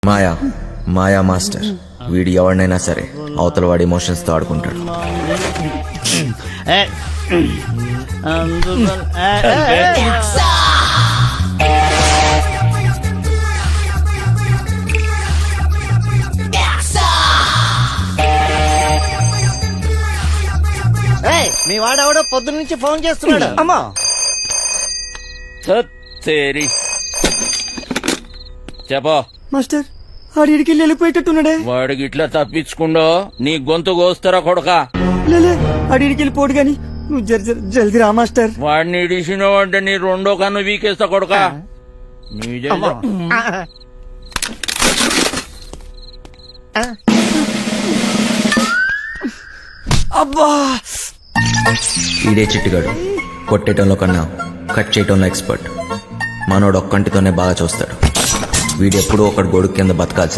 మాయా master వీడు ఎవరినైనా సరే అవతల వాడి ఎమోషన్స్ తో ఆడుకుంటాడు. మీ వాడెవడో పొద్దు నుంచి ఫోన్ చేస్తున్నాడు. అమ్మా తేరి చెప్పా మాస్టర్ ఆడికి వెళ్ళిపోయేటట్టున్నాడే. వాడికి ఇట్లా తప్పించుకుండో నీ గొంతు కోస్తారా కొడక. లేలే ఆడికి వెళ్ళిపోడు గాని నువ్వు జల్దీ రా మాస్టర్. వాడిని ఇడిసినావు అంటే నీ రెండో కన్ను వీకేస్తా కొడక. నీ జల్ది. అబ్బా ఈడే చిట్టుగాడు కొట్టేయటంలో కన్నా కట్ చేయటంలో ఎక్స్పర్ట్. మనోడు ఒక్కంటితోనే బాగా చూస్తాడు. వీడెప్పుడూ ఒకడు గొడుగు కింద బతకాల్సింది.